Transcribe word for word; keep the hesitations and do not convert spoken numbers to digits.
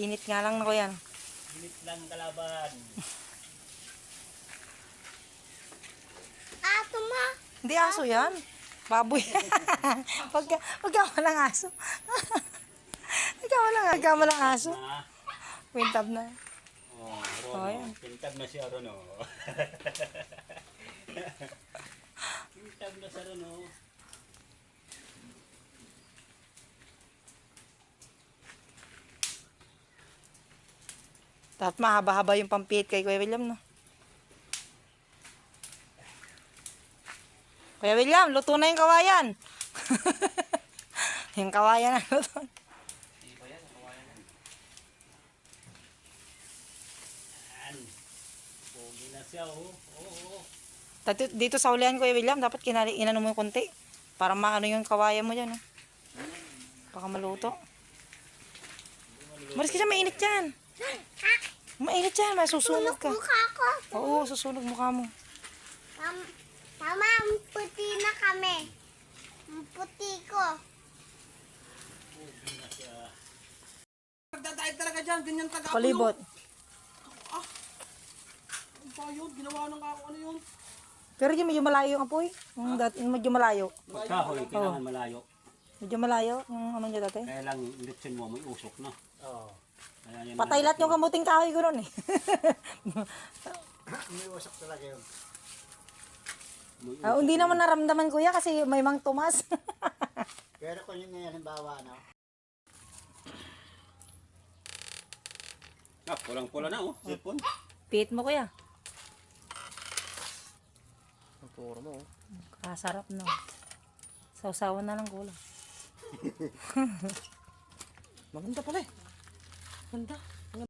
Init nga lang na ko yan. Init lang kalaban. Ato ma. Hindi aso yan. Baboy. Pagka, pagka walang aso. Pagka walang, pagka walang aso. Na. Wintab na. Oh, Oh, Rono. yan. Pintag na siya Rono. Pintag na sa Rono. At mahaba-haba yung pampihit kay Kuya William, no? Kuya William, luto na yung kawayan. Yung kawayan na luto. Yan. Pogi na siya oh. Oo. Oh, oh. Dito, dito sa ulihan, Kuya William, dapat kinali, inano mo yung konti. Para maano yung kawayan mo dyan, no? Baka maluto. Maris ka dyan, mainit dyan. Mainit dyan, masusunog ka. Mukha ko. Oo, susunog mukha mo. Tam Tama, ang puti na kami. Ang puti ko. Pogi na siya. Nagdadait talaga dyan, ganyan taga ako. Palibot. Ang bayod, ginawa ng ako ano yun. Pero yung medyo malayo yung apoy. Yung dat, yung medyo malayo. Pagkahoy, kailangan malayo. Medyo malayo yung ano niya dati. Kaya lang, litsin mo, may usok na. Oo. Patay lahat yung kamuting kahoy ko ron eh. May wasak talaga yun. Ah, hindi naman naramdaman kuya kasi may mang tumas. Pero kung yung ngayon, halimbawa, ano, Ah, pulang-pula na oh, sipon. Pihit mo kuya. Ang puro mo. Kasarap no. Sausawan na lang kulang. Maganda pala eh. Ganda.